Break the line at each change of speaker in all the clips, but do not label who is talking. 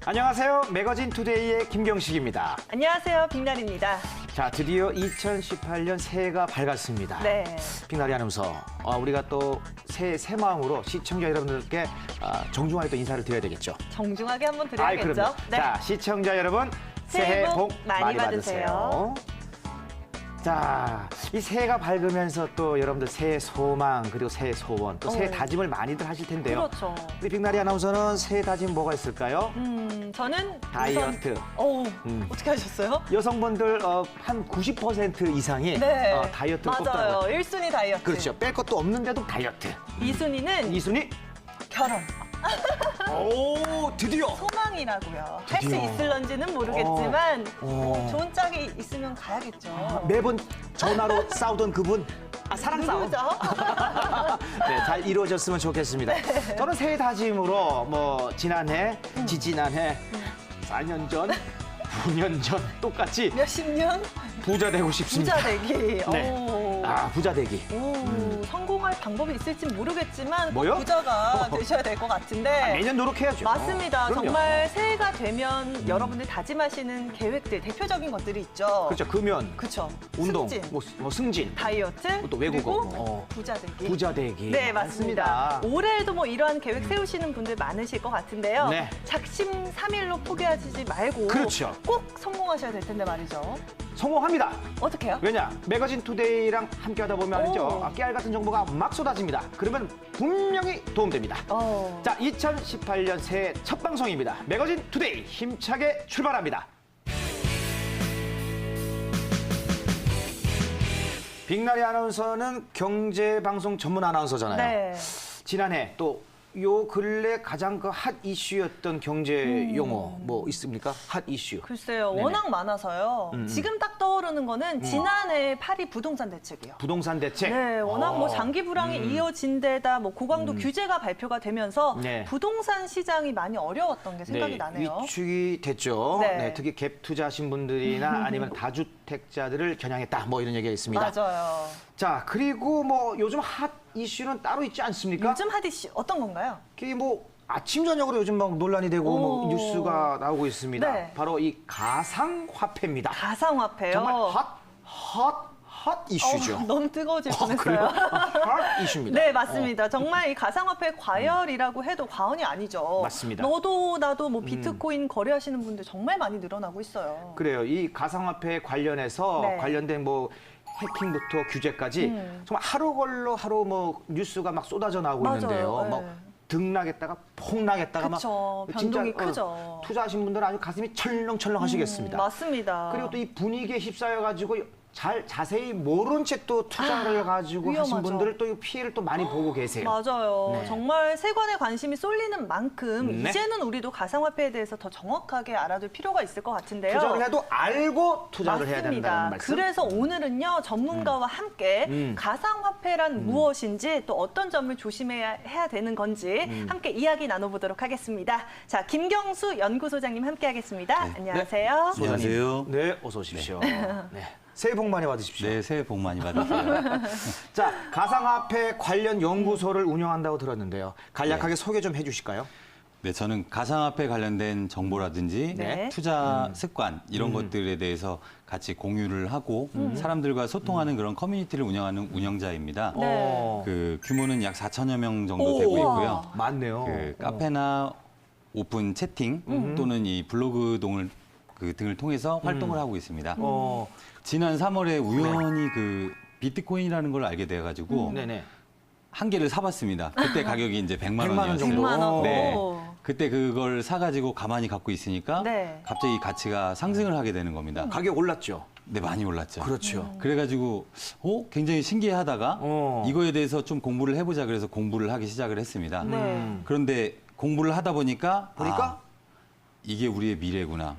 안녕하세요. 매거진 투데이의 김경식입니다.
안녕하세요. 빅날입니다.
자, 드디어 2018년 새해가 밝았습니다.
네.
빅날이 아나운서, 우리가 또 새 마음으로 시청자 여러분들께 정중하게 또 인사를 드려야 되겠죠.
정중하게 한번
아이,
드려야겠죠.
그럼요.
네.
자, 시청자 여러분, 새해 복 많이 받으세요. 자, 이 새해가 밝으면서 또 여러분들 새해 소망 그리고 새해 소원 또 새해 다짐을 많이들 하실 텐데요.
그렇죠.
우리 빅나리 아나운서는 새해 다짐 뭐가 있을까요?
저는
다이어트.
어떻게 하셨어요?
여성분들 한 90% 이상이
네.
다이어트를
맞아요.
꼽더라고요.
1순위 다이어트.
그렇죠. 뺄 것도 없는데도 다이어트.
2순위는
2순위?
결혼.
오, 드디어.
소망이라고요. 할 수
드디어.
있을런지는 모르겠지만 좋은 짝이 있으면
아,
가야겠죠.
매번 전화로 싸우던 그분. 사랑 싸움.
누구죠?
네, 잘 이루어졌으면 좋겠습니다. 저는 새해 다짐으로 지난해, 지지난해, 4년 전, 9년 전 똑같이
몇십 년?
부자 되고 싶습니다.
부자 되기.
네.
오.
부자 되기.
성공할 방법이 있을지 모르겠지만 꼭
뭐요?
부자가 되셔야 될 것 같은데.
매년 노력해야죠.
맞습니다.
그럼요.
정말 새해가 되면 여러분들 다짐하시는 계획들, 대표적인 것들이 있죠.
그렇죠. 금연,
그쵸.
운동,
승진,
승진,
다이어트,
또 외국어.
그리고 부자 되기.
부자 되기.
네, 맞습니다. 올해에도 이러한 계획 세우시는 분들 많으실 것 같은데요.
네.
작심삼일로 포기하지 말고
그렇죠.
꼭 성공하셔야 될 텐데 말이죠.
성공합니다.
어떻게 해요?
왜냐? 매거진 투데이랑 함께 하다 보면 알죠? 깨알 같은 정보가 막 쏟아집니다. 그러면 분명히 도움됩니다. 자, 2018년 새해 첫 방송입니다. 매거진 투데이 힘차게 출발합니다. 빅나리 아나운서는 경제방송 전문 아나운서잖아요.
네.
지난해 또 요 근래 가장 그 핫 이슈였던 경제 용어 뭐 있습니까? 핫 이슈.
글쎄요.
네네.
워낙 많아서요. 지금 딱 떠오르는 거는 지난해 파리 부동산 대책이요.
부동산 대책.
네, 워낙 장기 불황이 이어진 데다 고강도 규제가 발표가 되면서
네.
부동산 시장이 많이 어려웠던 게 생각이 나네요.
위축이 됐죠.
네.
네, 특히 갭 투자하신 분들이나 아니면 다주택자들을 겨냥했다. 뭐 이런 얘기가 있습니다.
맞아요.
자, 그리고 요즘 핫 이슈는 따로 있지 않습니까?
요즘 핫이슈 어떤 건가요?
그게 아침 저녁으로 요즘 막 논란이 되고 뉴스가 나오고 있습니다.
네.
바로 이 가상화폐입니다.
가상화폐요.
정말 핫 이슈죠.
너무 뜨거워질 뻔했어요.
그래요? 핫 이슈입니다.
네, 맞습니다. 정말 이 가상화폐 과열이라고 해도 과언이 아니죠.
맞습니다.
너도 나도 비트코인 거래하시는 분들 정말 많이 늘어나고 있어요.
그래요. 이 가상화폐 관련해서
네.
관련된 해킹부터 규제까지 정말 하루 걸러 하루 뉴스가 막 쏟아져 나오고
맞아요.
있는데요.
네.
등락했다가 폭락했다가
그쵸. 변동이 크죠.
투자하신 분들은 아주 가슴이 철렁철렁 하시겠습니다.
맞습니다.
그리고 또 이 분위기에 휩싸여 가지고 자세히 모른 채 또 투자를 가지고 하신
위험하죠.
분들을 또 이 피해를 또 많이 보고 계세요.
맞아요.
네.
정말 세관의 관심이 쏠리는 만큼
네.
이제는 우리도 가상화폐에 대해서 더 정확하게 알아둘 필요가 있을 것 같은데요.
투자를 해도 알고 투자를 해야 된다는 말씀.
그래서 오늘은요 전문가와 함께 가상화폐란 무엇인지 또 어떤 점을 조심해야 되는 건지 함께 이야기 나눠보도록 하겠습니다. 자, 김경수 연구소장님 함께하겠습니다. 안녕하세요.
소장님.
안녕하세요.
네, 어서 오십시오. 네. 새해 복 많이 받으십시오.
네, 새해 복 많이 받으세요.
자, 가상화폐 관련 연구소를 운영한다고 들었는데요. 간략하게 소개 좀 해주실까요?
네, 저는 가상화폐 관련된 정보라든지
네.
투자 습관 이런 것들에 대해서 같이 공유를 하고 사람들과 소통하는 그런 커뮤니티를 운영하는 운영자입니다.
네.
그 규모는 약 4천여 명 정도 되고 있고요.
많네요.
그 카페나 오픈 채팅 또는 이 블로그 등을 통해서 활동을 하고 있습니다. 지난 3월에 우연히 그 비트코인이라는 걸 알게 돼가지고
네네.
한 개를 사봤습니다. 그때 가격이 이제 100만
100만 원
원이었어요.
정도.
100만 원.
네.
오.
그때 그걸 사가지고 가만히 갖고 있으니까
네.
갑자기 가치가 상승을 하게 되는 겁니다.
가격 올랐죠?
네, 많이 올랐죠.
그렇죠.
그래가지고 굉장히 신기하다가
어.
이거에 대해서 좀 공부를 해보자 그래서 공부를 하기 시작을 했습니다.
네.
그런데 공부를 하다 보니까 이게 우리의 미래구나.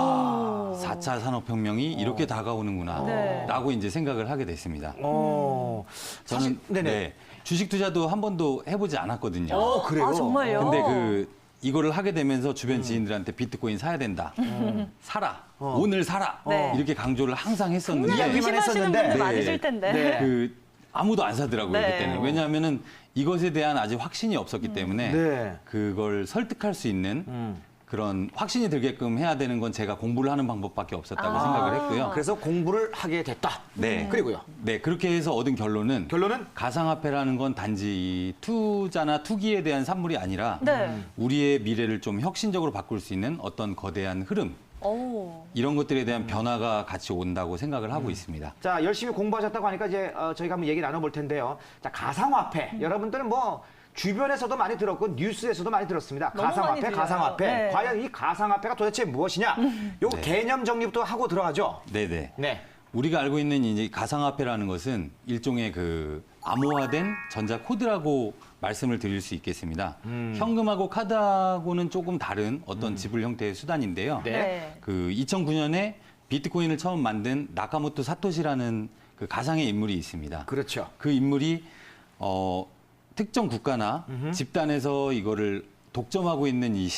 4차 산업혁명이 이렇게 다가오는구나.
네.
라고 이제 생각을 하게 됐습니다.
저는
저는
네네.
주식 투자도 한 번도 해보지 않았거든요.
그래요?
아, 정말요?
근데 이거를 하게 되면서 주변 지인들한테 비트코인 사야 된다. 사라. 오늘 사라.
네.
이렇게 강조를 항상 했었는데
분명히
의심하시는
했었는데.
분들
네.
많으실 텐데.
네.
아무도 안 사더라고요,
네.
그때는. 왜냐하면은 이것에 대한 아직 확신이 없었기 때문에
네.
그걸 설득할 수 있는 그런 확신이 들게끔 해야 되는 건 제가 공부를 하는 방법밖에 없었다고 생각을 했고요.
그래서 공부를 하게 됐다.
네.
그리고요.
네, 그렇게 해서 얻은 결론은
결론은
가상화폐라는 건 단지 이 투자나 투기에 대한 산물이 아니라
네.
우리의 미래를 좀 혁신적으로 바꿀 수 있는 어떤 거대한 흐름,
오.
이런 것들에 대한 변화가 같이 온다고 생각을 하고 있습니다.
자, 열심히 공부하셨다고 하니까 이제 저희가 한번 얘기 나눠볼 텐데요. 자, 가상화폐. 여러분들은 뭐 주변에서도 많이 들었고 뉴스에서도 많이 들었습니다.
너무 많이
가상화폐,
들려요.
가상화폐.
네.
과연 이 가상화폐가 도대체 무엇이냐? 요
네.
개념 정리부터 하고 들어가죠.
네네.
네.
우리가 알고 있는 이제 가상화폐라는 것은 일종의 그 암호화된 전자 코드라고 말씀을 드릴 수 있겠습니다. 현금하고 카드하고는 조금 다른 어떤 지불 형태의 수단인데요.
네.
네.
그 2009년에 비트코인을 처음 만든 나카모토 사토시라는 그 가상의 인물이 있습니다.
그렇죠.
그 인물이 특정 국가나 집단에서 이거를 독점하고 있는 이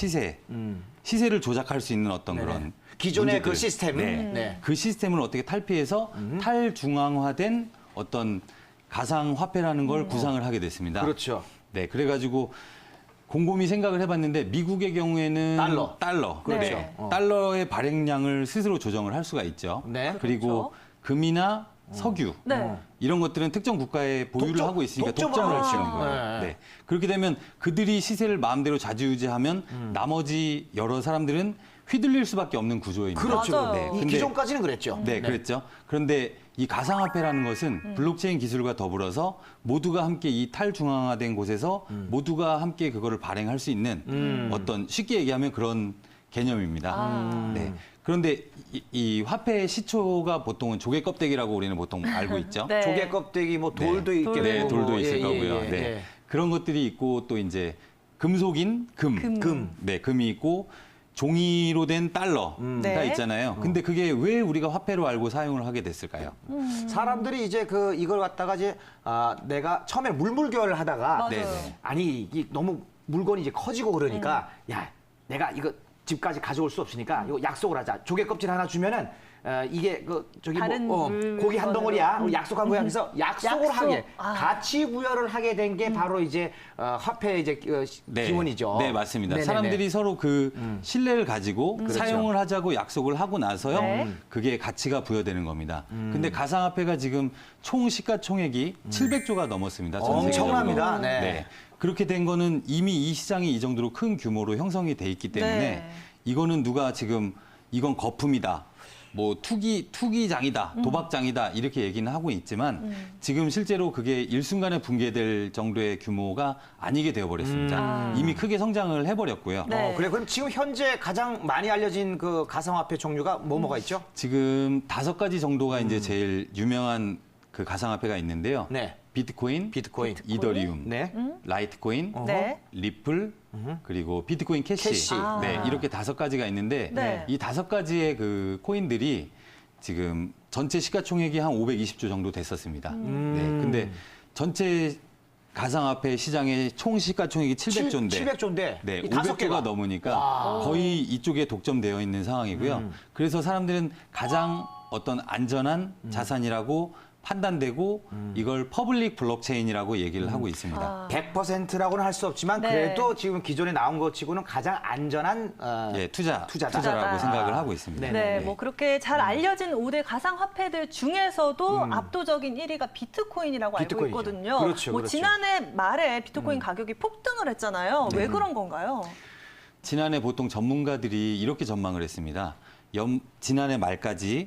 시세를 조작할 수 있는 어떤
네네.
그런
기존의 그
문제들.
시스템을.
네.
네.
그 시스템을 어떻게 탈피해서 탈중앙화된 어떤 가상 화폐라는 걸 구상을 하게 됐습니다.
그렇죠.
네, 그래가지고 곰곰이 생각을 해봤는데 미국의 경우에는 달러.
그렇죠.
네. 달러의 발행량을 스스로 조정을 할 수가 있죠.
네.
그리고 금이나 석유
네.
이런 것들은 특정 국가에 보유를
독점,
하고 있으니까
독점을
독점을 할 수
하죠.
있는 거예요.
네.
네. 그렇게 되면 그들이 시세를 마음대로 좌지우지하면 나머지 여러 사람들은 휘둘릴 수밖에 없는 구조입니다.
그렇죠.
맞아요.
네.
이
근데
기존까지는 그랬죠.
네, 그랬죠. 그런데 이 가상화폐라는 것은 블록체인 기술과 더불어서 모두가 함께 이 탈중앙화된 곳에서 모두가 함께 그거를 발행할 수 있는 어떤 쉽게 얘기하면 그런 개념입니다. 네. 그런데 이 화폐의 시초가 보통은 조개 껍데기라고 우리는 보통 알고 있죠.
네.
조개 껍데기, 뭐 돌도
네.
있겠고.
네, 돌도
뭐,
있을
예,
거고요.
예,
네.
예.
그런 것들이 있고 또 이제 금속인 금. 네, 금이 있고 종이로 된 달러가
네.
있잖아요. 근데 그게 왜 우리가 화폐로 알고 사용을 하게 됐을까요?
사람들이 이제 이걸 갖다가 이제 내가 처음에 물물교환을 하다가
맞아요.
네네.
아니 이 너무 물건이 이제 커지고 그러니까 야 내가 이거 집까지 가져올 수 없으니까 이거 약속을 하자. 조개 껍질 하나 주면은 이게 저기
다른
뭐 고기 한 덩어리야. 우리 약속한 거야. 그래서 약속을
약속.
하게
아.
가치 부여를 하게 된 게 바로 이제 화폐의 이제 기원이죠.
네, 맞습니다.
네네네.
사람들이 서로 그 신뢰를 가지고 사용을 하자고 약속을 하고 나서요.
네.
그게 가치가 부여되는 겁니다. 근데 가상화폐가 지금 총 시가총액이 700조가 넘었습니다. 전 세계적으로.
엄청납니다. 네.
그렇게 된 거는 이미 이 시장이 이 정도로 큰 규모로 형성이 돼 있기 때문에
네.
이거는 누가 지금 이건 거품이다. 뭐 투기장이다, 도박장이다 이렇게 얘기는 하고 있지만 지금 실제로 그게 일순간에 붕괴될 정도의 규모가 아니게 되어버렸습니다. 이미 크게 성장을 해버렸고요.
네.
그래 그럼 지금 현재 가장 많이 알려진 그 가상화폐 종류가 뭐가 있죠?
지금 5가지 정도가 이제 제일 유명한 그 가상화폐가 있는데요.
네.
비트코인, 이더리움,
네.
라이트코인,
네.
리플, 그리고 비트코인 캐시.
캐시.
네, 이렇게 5가지가 있는데
네.
이 5가지의 그 코인들이 지금 전체 시가총액이 한 520조 정도 됐었습니다. 네, 근데 전체 가상화폐 시장의 총 시가총액이 700조인데
700조인데
네,
이 5개가
500조가 넘으니까 거의 이쪽에 독점되어 있는 상황이고요. 그래서 사람들은 가장 어떤 안전한 자산이라고 판단되고 이걸 퍼블릭 블록체인이라고 얘기를 하고 있습니다.
100%라고는 할 수 없지만
네.
그래도 지금 기존에 나온 것 치고는 가장 안전한
예,
투자다.
투자라고 생각을 하고 있습니다.
네,
네.
뭐 그렇게 잘 알려진 5대 가상화폐들 중에서도 압도적인 1위가 비트코인이라고 알고
비트코인이죠.
있거든요.
그렇죠,
뭐
그렇죠.
지난해 말에 비트코인 가격이 폭등을 했잖아요. 왜 그런 건가요?
지난해 보통 전문가들이 이렇게 전망을 했습니다. 지난해 말까지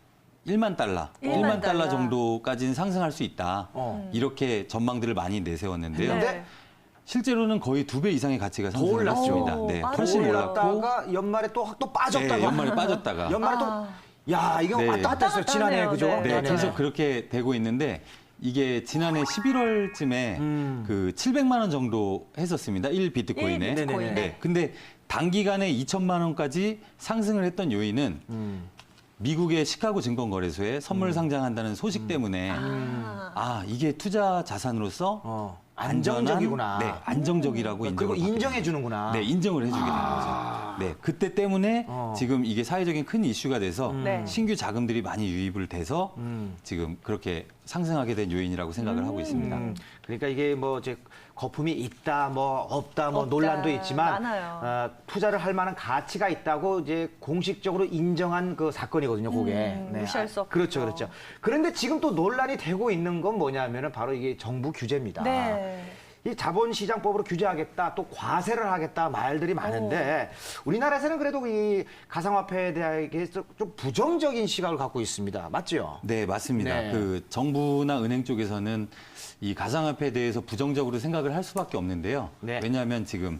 1만 달러, 1만 달러 정도까지는 상승할 수 있다. 이렇게 전망들을 많이 내세웠는데요.
네.
실제로는 거의 2배 이상의 가치가
더
상승을
올랐죠.
했습니다.
오,
네,
빠르네요.
훨씬 올랐고
올랐다가 연말에 또 빠졌다가
네, 연말에 빠졌다가
연말에 야 이거
네.
왔다 갔다 했어요.
왔다
지난해
갔다
그죠?
하네요.
네,
네네.
계속 그렇게 되고 있는데 이게 지난해 11월쯤에 그 700만 원 정도 했었습니다. 1 비트코인에.
일 비트코인에.
네. 근데 단기간에 2천만 원까지 상승을 했던 요인은 미국의 시카고 증권거래소에 선물 상장한다는 소식 때문에 이게 투자 자산으로서
안정적이구나.
네, 안정적이라고
그리고
인정을
인정해 주는구나.
네, 인정을 해주게 된 거죠. 네, 그때 때문에 지금 이게 사회적인 큰 이슈가 돼서
네.
신규 자금들이 많이 유입을 돼서 지금 그렇게 상승하게 된 요인이라고 생각을 하고 있습니다.
그러니까 이게 뭐 이제 거품이 있다, 뭐 없다, 뭐
없다.
논란도 있지만
많아요.
투자를 할 만한 가치가 있다고 이제 공식적으로 인정한 그 사건이거든요, 그게.
무시할 수 없죠.
그렇죠, 그렇죠. 그런데 지금 또 논란이 되고 있는 건 뭐냐면은 바로 이게 정부 규제입니다.
네.
이 자본시장법으로 규제하겠다, 또 과세를 하겠다 말들이 많은데 우리나라에서는 그래도 이 가상화폐에 대해서 좀 부정적인 시각을 갖고 있습니다. 맞죠?
네, 맞습니다.
네.
그 정부나 은행 쪽에서는 이 가상화폐에 대해서 부정적으로 생각을 할 수밖에 없는데요.
네.
왜냐하면 지금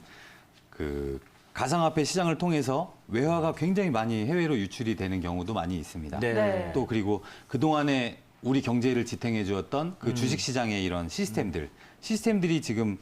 그 가상화폐 시장을 통해서 외화가 굉장히 많이 해외로 유출이 되는 경우도 많이 있습니다.
네.
또 그리고 그동안에 우리 경제를 지탱해 주었던 그 주식시장의 이런 시스템들이 지금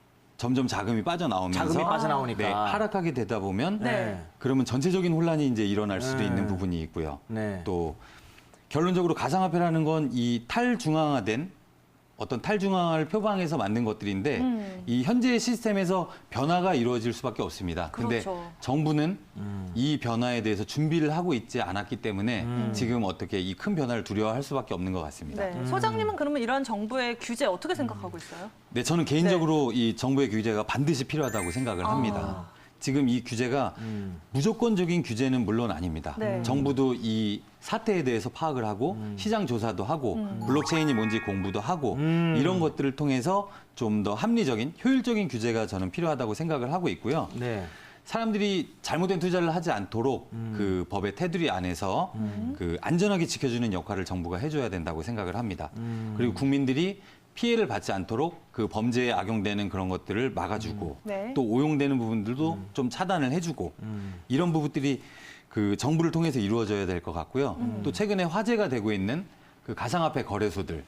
점점 자금이 빠져나오면서
자금이 빠져나오니까.
네, 하락하게 되다 보면
네.
그러면 전체적인 혼란이 이제 일어날 수도 있는 부분이 있고요.
네.
또 결론적으로 가상화폐라는 건 이 탈중앙화된 어떤 탈중앙화를 표방해서 만든 것들인데 이 현재의 시스템에서 변화가 이루어질 수밖에 없습니다. 근데
그렇죠.
정부는 이 변화에 대해서 준비를 하고 있지 않았기 때문에 지금 어떻게 이 큰 변화를 두려워할 수밖에 없는 것 같습니다.
네. 소장님은 그러면 이러한 정부의 규제 어떻게 생각하고 있어요?
네, 저는 개인적으로 이 정부의 규제가 반드시 필요하다고 생각을 합니다. 지금 이 규제가 무조건적인 규제는 물론 아닙니다.
네.
정부도 이 사태에 대해서 파악을 하고 시장 조사도 하고 블록체인이 뭔지 공부도 하고 이런 것들을 통해서 좀 더 합리적인 효율적인 규제가 저는 필요하다고 생각을 하고 있고요.
네.
사람들이 잘못된 투자를 하지 않도록 그 법의 테두리 안에서 그 안전하게 지켜주는 역할을 정부가 해줘야 된다고 생각을 합니다. 그리고 국민들이 피해를 받지 않도록 그 범죄에 악용되는 그런 것들을 막아주고
네.
또 오용되는 부분들도 좀 차단을 해주고 이런 부분들이 그 정부를 통해서 이루어져야 될 것 같고요. 또 최근에 화제가 되고 있는 그 가상화폐 거래소들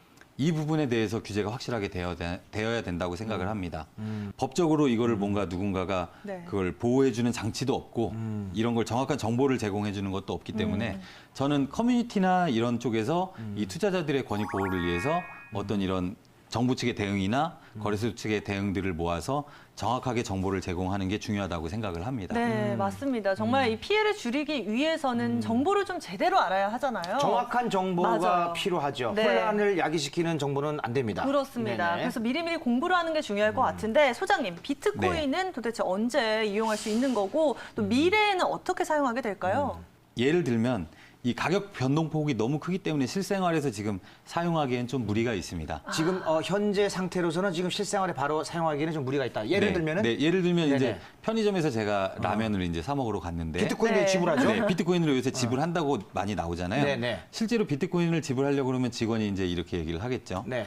이 부분에 대해서 규제가 확실하게 되어야 된다고 생각을 합니다. 법적으로 이거를 뭔가 누군가가
네.
그걸 보호해주는 장치도 없고 이런 걸 정확한 정보를 제공해주는 것도 없기 때문에 저는 커뮤니티나 이런 쪽에서 이 투자자들의 권익 보호를 위해서 어떤 이런 정부 측의 대응이나 거래소 측의 대응들을 모아서 정확하게 정보를 제공하는 게 중요하다고 생각을 합니다.
네, 맞습니다. 정말 이 피해를 줄이기 위해서는 정보를 좀 제대로 알아야 하잖아요.
정확한 정보가
맞아요.
필요하죠.
네.
혼란을 야기시키는 정보는 안 됩니다.
그렇습니다.
네네.
그래서 미리미리 공부를 하는 게 중요할 것 같은데 소장님, 비트코인은 도대체 언제 이용할 수 있는 거고 또 미래에는 어떻게 사용하게 될까요?
예를 들면 이 가격 변동폭이 너무 크기 때문에 실생활에서 지금 사용하기엔 좀 무리가 있습니다.
지금 현재 상태로서는 지금 실생활에 바로 사용하기에는 좀 무리가 있다. 예를
네,
들면은
네, 예를 들면
네네.
이제 편의점에서 제가 라면을 이제 사 먹으러 갔는데
비트코인을
네.
지불하죠.
네, 비트코인으로 요새 지불한다고 많이 나오잖아요.
네네.
실제로 비트코인을 지불하려고 그러면 직원이 이제 이렇게 얘기를 하겠죠.
네.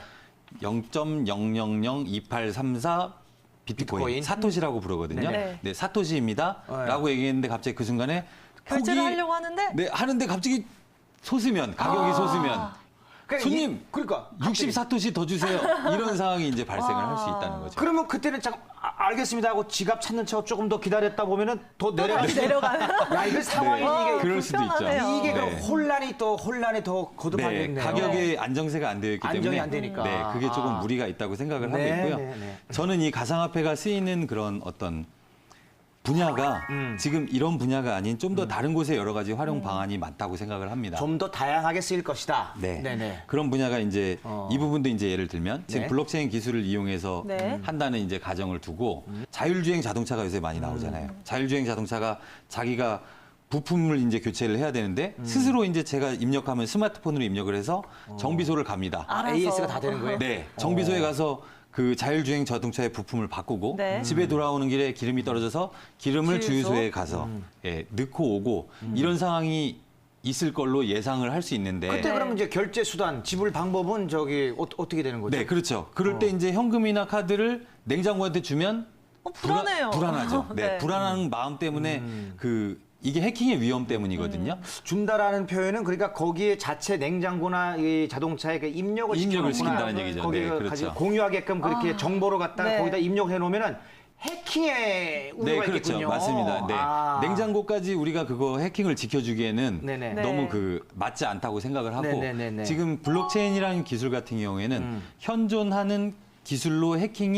0.0002834 비트코인, 사토시라고 부르거든요.
네.
네, 사토시입니다. 라고 얘기했는데 갑자기 그 순간에
결제를
폭이-
하려고 하는데
네, 하는데 갑자기 가격이 솟으면
그러니까
손님,
그러니까
60사토시 더 주세요. 이런 상황이 이제 발생을 할 수 있다는 거죠.
그러면 그때는 잠깐 알겠습니다 하고 지갑 찾는 척 조금 더 기다렸다 보면은 더 내려가는
내려가는.
야, 이거 상황이
네.
그럴 수도 있죠.
불편하네요.
이게
네.
혼란이 더 거듭하겠네요.
네, 가격에 안정세가 안 되어 있기
안정이
때문에
안 되니까.
네, 그게 조금 무리가 있다고 생각을
네,
하고 있고요.
네, 네.
저는 이 가상화폐가 쓰이는 그런 어떤 분야가 지금 이런 분야가 아닌 좀 더 다른 곳에 여러 가지 활용 방안이 많다고 생각을 합니다.
좀 더 다양하게 쓰일 것이다.
네.
네네.
그런 분야가 이제 이 부분도 이제 예를 들면 지금
네.
블록체인 기술을 이용해서
네.
한다는 이제 가정을 두고 자율주행 자동차가 요새 많이 나오잖아요. 자율주행 자동차가 자기가 부품을 이제 교체를 해야 되는데 스스로 이제 제가 입력하면 스마트폰으로 입력을 해서 정비소를 갑니다.
알아서.
AS가 다 되는 거예요?
네, 정비소에 가서 그 자율주행 자동차의 부품을 바꾸고
네.
집에 돌아오는 길에 기름이 떨어져서 기름을
주유소?
주유소에 가서 예, 넣고 오고 이런 상황이 있을 걸로 예상을 할 수 있는데
그때 그러면 이제 결제 수단, 지불 방법은 저기 어떻게 되는 거죠?
네, 그렇죠. 그럴 때 이제 현금이나 카드를 냉장고한테 주면
불안해요.
불안하죠. 네,
네.
불안한 마음 때문에 이게 해킹의 위험 때문이거든요.
준다라는 표현은 그러니까 거기에 자체 냉장고나 이 자동차에 그 입력을
입력을
시켜놓거나
시킨다는 얘기죠.
거기
네,
그
그렇죠.
가지고 공유하게끔 그렇게 정보를 갖다가
네.
거기다 입력해 놓으면은 해킹의 우려가
네, 그렇죠.
있겠군요.
맞습니다. 네.
아.
냉장고까지 우리가 그거 해킹을 지켜주기에는
네네.
네.
너무 맞지 않다고 생각을 하고
네네네네.
지금 블록체인이라는 기술 같은 경우에는 현존하는 기술로 해킹이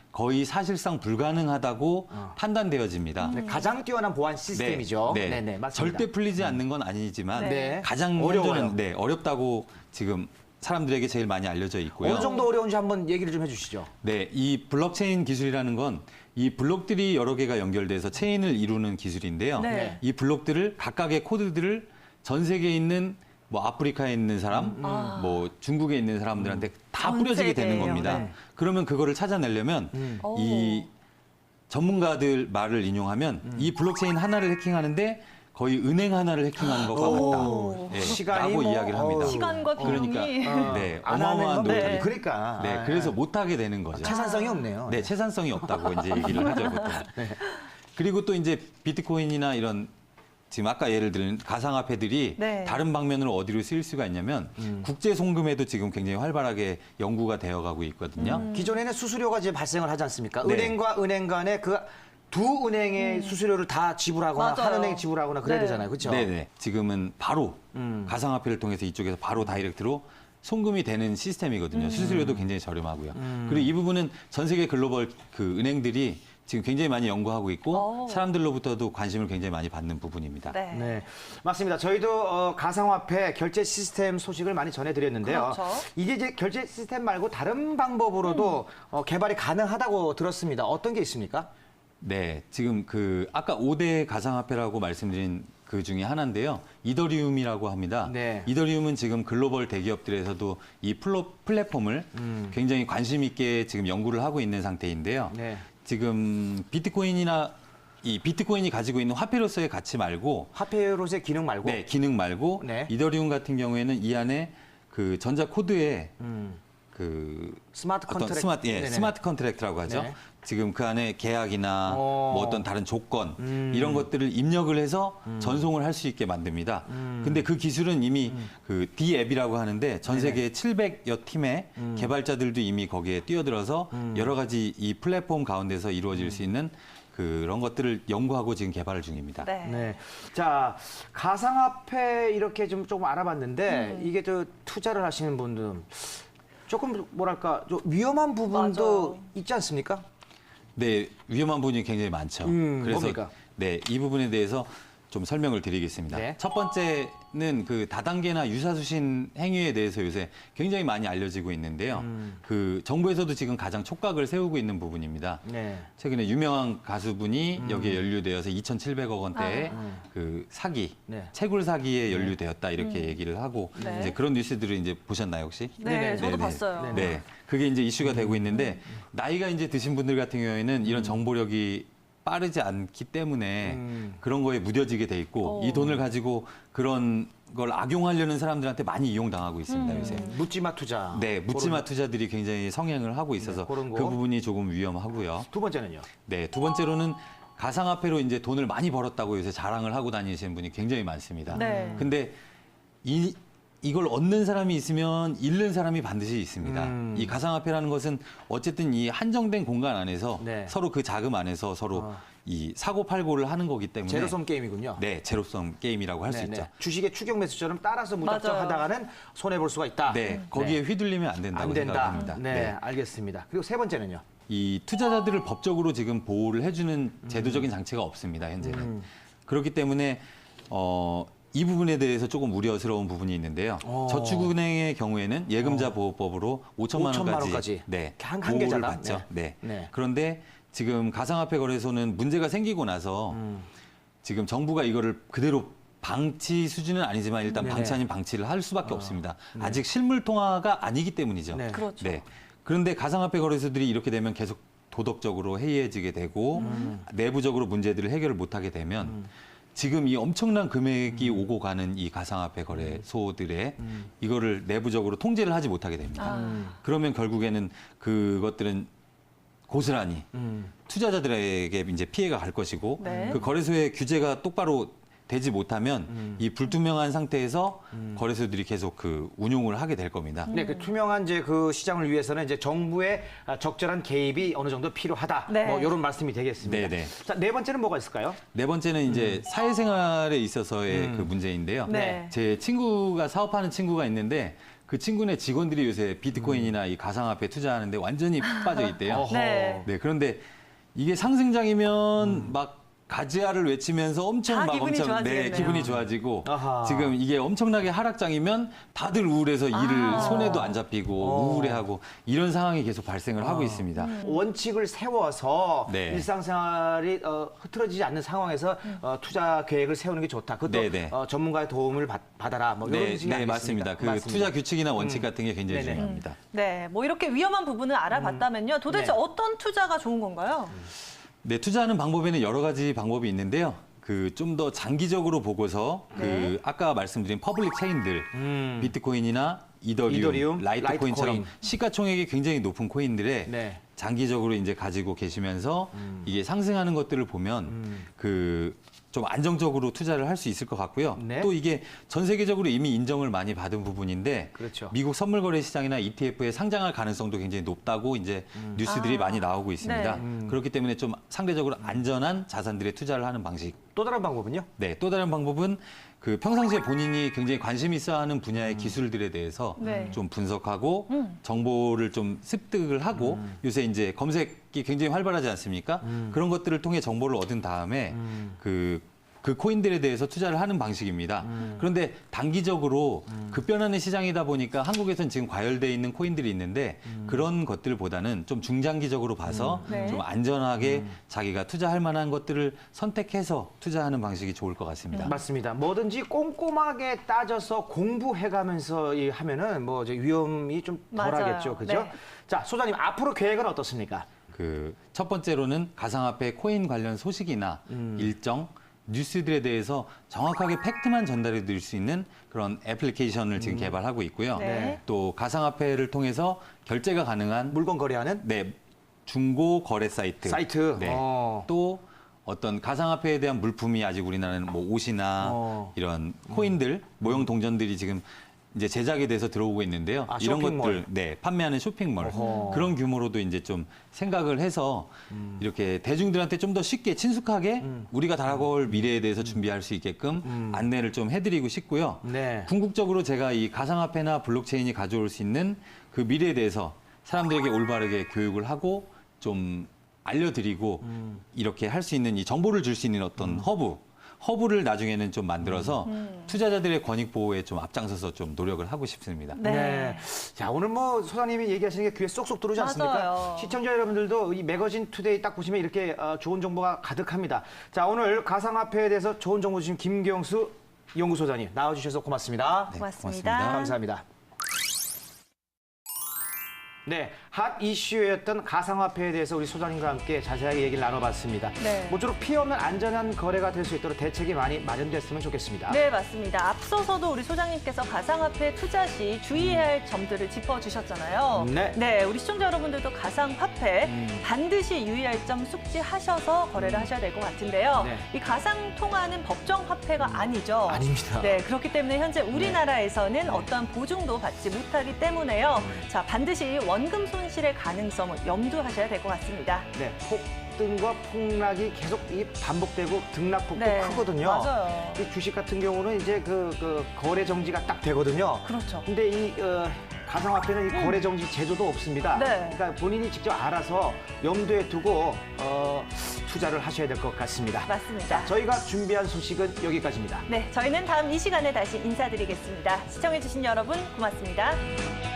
거의 사실상 불가능하다고 판단되어집니다.
네, 가장 뛰어난 보안 시스템이죠.
네,
네, 맞습니다.
절대 풀리지 않는 건 아니지만
네.
가장
어려워요.
현존은 어렵다고 지금 사람들에게 제일 많이 알려져 있고요.
어느 정도 어려운지 한번 얘기를 좀 해주시죠.
네, 이 블록체인 기술이라는 건 이 블록들이 여러 개가 연결돼서 체인을 이루는 기술인데요.
네.
이 블록들을 각각의 코드들을 전 세계에 있는 뭐 아프리카에 있는 사람, 뭐 중국에 있는 사람들한테 다
전
뿌려지게 되는
세계예요.
겁니다.
네.
그러면 그거를 찾아내려면 이 전문가들 말을 인용하면 이 블록체인 하나를 해킹하는데 거의 은행 하나를 해킹하는 것과 같다. 네,
시간이
라고
뭐,
이야기를 합니다.
시간과 비용이
그러니까 네,
안 하는
어마어마한
건
노력이.
그러니까.
네, 그래서 못하게 되는 거죠.
채산성이 없네요.
네, 채산성이 없다고 이제 얘기를 하죠, 보통. 그리고 또 이제 비트코인이나 이런 지금 아까 예를 들은 가상화폐들이
네.
다른 방면으로 어디로 쓰일 수가 있냐면 국제 송금에도 지금 굉장히 활발하게 연구가 되어가고 있거든요.
기존에는 수수료가 이제 발생을 하지 않습니까?
네.
은행과 은행 간에 그 두 은행의 수수료를 다 지불하거나
맞아요.
한 은행이 지불하거나 그래야
네.
되잖아요. 그렇죠?
네네. 지금은 바로 가상화폐를 통해서 이쪽에서 바로 다이렉트로 송금이 되는 시스템이거든요. 수수료도 굉장히 저렴하고요. 그리고 이 부분은 전 세계 글로벌 그 은행들이 지금 굉장히 많이 연구하고 있고 사람들로부터도 관심을 굉장히 많이 받는 부분입니다.
네.
네, 맞습니다. 저희도 가상화폐 결제 시스템 소식을 많이 전해드렸는데요.
그렇죠.
이게 이제 결제 시스템 말고 다른 방법으로도 개발이 가능하다고 들었습니다. 어떤 게 있습니까?
네, 지금 그 아까 5대 가상화폐라고 말씀드린 그 중에 하나인데요. 이더리움이라고 합니다.
네.
이더리움은 지금 글로벌 대기업들에서도 이 플랫폼을 굉장히 관심 있게 지금 연구를 하고 있는 상태인데요.
네.
지금 비트코인이나 이 비트코인이 가지고 있는 화폐로서의 가치 말고
화폐로서의 기능 말고.
네, 기능 말고
네.
이더리움 같은 경우에는 이 안에 그 전자 코드에 그
스마트
어떤
컨트랙트. 네네.
스마트 컨트랙트라고 하죠.
네.
지금 그 안에 계약이나 뭐 어떤 다른 조건 이런 것들을 입력을 해서 전송을 할 수 있게 만듭니다. 근데 그 기술은 이미 그 D앱이라고 하는데 전 세계 700여 팀의 개발자들도 이미 거기에 뛰어들어서 여러 가지 이 플랫폼 가운데서 이루어질 수 있는 그런 것들을 연구하고 지금 개발 중입니다.
네.
네. 자, 가상화폐 이렇게 좀 조금 알아봤는데 이게 저 투자를 하시는 분들 조금 뭐랄까 좀 위험한 부분도
맞아요.
있지 않습니까?
네, 위험한 부분이 굉장히 많죠. 그래서
뭡니까?
네, 이 부분에 대해서 좀 설명을 드리겠습니다.
네.
첫 번째는 그 다단계나 유사수신 행위에 대해서 요새 굉장히 많이 알려지고 있는데요. 그 정부에서도 지금 가장 촉각을 세우고 있는 부분입니다.
네.
최근에 유명한 가수분이 여기에 연루되어서 2,700억 원대의 그 사기,
네.
채굴 사기에 연루되었다 이렇게 얘기를 하고
네.
이제 그런 뉴스들을 이제 보셨나요 혹시?
네,
네네.
저도
네네.
봤어요.
네, 그게 이제 이슈가 되고 있는데 나이가 이제 드신 분들 같은 경우에는 이런 정보력이 빠르지 않기 때문에 그런 거에 무뎌지게 돼 있고 이 돈을 가지고 그런 걸 악용하려는 사람들한테 많이 이용당하고 있습니다 요새.
묻지마 투자.
네, 묻지마 투자들이 굉장히 성행을 하고 있어서
네, 그런 거.
그 부분이 조금 위험하고요.
두 번째는요.
네, 두 번째로는 가상화폐로 이제 돈을 많이 벌었다고 요새 자랑을 하고 다니시는 분이 굉장히 많습니다.
네.
근데 이걸 얻는 사람이 있으면 잃는 사람이 반드시 있습니다. 이 가상화폐라는 것은 어쨌든 이 한정된 공간 안에서
네.
서로 그 자금 안에서 서로 이 사고 팔고를 하는 거기 때문에
제로섬 게임이군요.
네, 제로섬 게임이라고 할 수
네네.
있죠.
주식의 추격 매수처럼 따라서 무작정
맞아요.
하다가는 손해 볼 수가 있다.
네, 거기에 휘둘리면 안 된다고
안 된다.
생각합니다.
네, 알겠습니다. 그리고 세 번째는요.
이 투자자들을 법적으로 지금 보호를 해주는 제도적인 장치가 없습니다, 현재는. 그렇기 때문에 이 부분에 대해서 조금 우려스러운 부분이 있는데요. 저축은행의 경우에는 예금자 보호법으로 5천만
5천만
원까지,
원까지.
네,
한
보호를
계좌당?
받죠.
네.
네.
네.
그런데 지금 가상화폐 거래소는 문제가 생기고 나서 지금 정부가 이거를 그대로 방치 수준은 아니지만 일단
네네.
방치 아닌 방치를 할 수밖에 없습니다. 아직 실물 통화가 아니기 때문이죠.
네.
그렇죠.
네. 그런데 가상화폐 거래소들이 이렇게 되면 계속 도덕적으로 해이해지게 되고 내부적으로 문제들을 해결을 못하게 되면 지금 이 엄청난 금액이 오고 가는 이 가상화폐 거래소들의 이거를 내부적으로 통제를 하지 못하게 됩니다. 그러면 결국에는 그것들은 고스란히 투자자들에게 이제 피해가 갈 것이고
네.
그 거래소의 규제가 똑바로 되지 못하면 이 불투명한 상태에서 거래소들이 계속 그 운용을 하게 될 겁니다.
네, 그 투명한 이제 그 시장을 위해서는 이제 정부의 적절한 개입이 어느 정도 필요하다.
네.
뭐 이런 말씀이 되겠습니다.
네네.
자, 네 번째는 뭐가 있을까요?
네 번째는 이제 사회생활에 있어서의 그 문제인데요.
네.
제 친구가 사업하는 친구가 있는데 그 친구네 직원들이 요새 비트코인이나 이 가상화폐 투자하는데 완전히 빠져 있대요.
어허.
네.
네, 그런데 이게 상승장이면 막 가즈아를 외치면서 엄청
다
막
기분이
엄청
좋아지겠네요.
기분이 좋아지고
아하.
지금 이게 엄청나게 하락장이면 다들 우울해서 일을 손에도 안 잡히고 우울해하고 이런 상황이 계속 발생을 하고 있습니다.
원칙을 세워서
네.
일상생활이 흐트러지지 않는 상황에서 투자 계획을 세우는 게 좋다. 그것도
네네.
전문가의 도움을 받아라. 뭐 이런
네,
뜻이
네,
아니겠습니까?
맞습니다. 그
맞습니다.
투자 규칙이나 원칙 같은 게 굉장히
네네.
중요합니다.
네, 뭐 이렇게 위험한 부분을 알아봤다면요. 도대체
네.
어떤 투자가 좋은 건가요?
네, 투자하는 방법에는 여러 가지 방법이 있는데요. 그 좀 더 장기적으로 보고서
네.
그 아까 말씀드린 퍼블릭 체인들, 비트코인이나 이더리움, 라이트코인처럼
라이트코인.
시가총액이 굉장히 높은 코인들에
네.
장기적으로 이제 가지고 계시면서 이게 상승하는 것들을 보면 그 좀 안정적으로 투자를 할 수 있을 것 같고요.
네.
또 이게 전 세계적으로 이미 인정을 많이 받은 부분인데
그렇죠.
미국 선물 거래 시장이나 ETF에 상장할 가능성도 굉장히 높다고 이제 뉴스들이 많이 나오고 있습니다.
네.
그렇기 때문에 좀 상대적으로 안전한 자산들에 투자를 하는 방식.
또 다른 방법은요?
네, 또 다른 방법은 그 평상시에 본인이 굉장히 관심 있어하는 분야의 기술들에 대해서
네.
좀 분석하고 정보를 좀 습득을 하고 요새 이제 검색이 굉장히 활발하지 않습니까? 그런 것들을 통해 정보를 얻은 다음에 그 코인들에 대해서 투자를 하는 방식입니다. 그런데 단기적으로 급변하는 시장이다 보니까 한국에서는 지금 과열돼 있는 코인들이 있는데 그런 것들보다는 좀 중장기적으로 봐서
네.
좀 안전하게 자기가 투자할 만한 것들을 선택해서 투자하는 방식이 좋을 것 같습니다.
맞습니다. 뭐든지 꼼꼼하게 따져서 공부해가면서 하면은 뭐 이제 위험이 좀
맞아요.
덜하겠죠, 그죠?
네.
자, 소장님 앞으로 계획은 어떻습니까?
그 첫 번째로는 가상화폐 코인 관련 소식이나 일정 뉴스들에 대해서 정확하게 팩트만 전달해 드릴 수 있는 그런 애플리케이션을 지금 개발하고 있고요.
네.
또 가상화폐를 통해서 결제가 가능한
물건 거래하는
네, 중고 거래 사이트.
사이트.
네. 또 어떤 가상화폐에 대한 물품이 아직 우리나라는 뭐 옷이나 이런 코인들, 모형 동전들이 지금 이제 제작에 대해서 들어오고 있는데요.
아,
이런
쇼핑몰.
것들, 네, 판매하는 쇼핑몰
어허.
그런 규모로도 이제 좀 생각을 해서 이렇게 대중들한테 좀 더 쉽게 친숙하게 우리가 다가올 미래에 대해서 준비할 수 있게끔 안내를 좀 해드리고 싶고요.
네.
궁극적으로 제가 이 가상화폐나 블록체인이 가져올 수 있는 그 미래에 대해서 사람들에게 올바르게 교육을 하고 좀 알려드리고 이렇게 할 수 있는 이 정보를 줄 수 있는 어떤 허브를 나중에는 좀 만들어서 투자자들의 권익 보호에 좀 앞장서서 좀 노력을 하고 싶습니다.
네.
자, 오늘 뭐 소장님이 얘기하시는 게 귀에 쏙쏙 들어오지 않습니까?
맞아요.
시청자 여러분들도 이 매거진 투데이 딱 보시면 이렇게 좋은 정보가 가득합니다. 자, 오늘 가상화폐에 대해서 좋은 정보 주신 김경수 연구소장님 나와주셔서 고맙습니다.
네,
고맙습니다.
감사합니다. 네, 핫 이슈였던 가상화폐에 대해서 우리 소장님과 함께 자세하게 얘기를 나눠봤습니다.
네.
모쪼록 피해 없는 안전한 거래가 될 수 있도록 대책이 많이 마련됐으면 좋겠습니다.
네, 맞습니다. 앞서서도 우리 소장님께서 가상화폐 투자 시 주의해야 할 점들을 짚어주셨잖아요.
네.
우리 시청자 여러분들도 가상화폐 반드시 유의할 점 숙지하셔서 거래를 하셔야 될 것 같은데요.
네.
이 가상통화는 법정화폐가 아니죠.
아닙니다.
네, 그렇기 때문에 현재 우리나라에서는 어떠한 보증도 받지 못하기 때문에요. 자, 반드시 원금 손실의 가능성을 염두하셔야 될 것 같습니다.
네, 폭등과 폭락이 계속 반복되고 등락폭도
네,
크거든요.
맞아요.
이 주식 같은 경우는 이제 그 거래 정지가 딱 되거든요.
그렇죠.
근데 이 가상화폐는 이 거래 정지 제도도 없습니다.
네.
그러니까 본인이 직접 알아서 염두에 두고 투자를 하셔야 될 것 같습니다.
맞습니다.
저희가 준비한 소식은 여기까지입니다.
네, 저희는 다음 이 시간에 다시 인사드리겠습니다. 시청해주신 여러분 고맙습니다.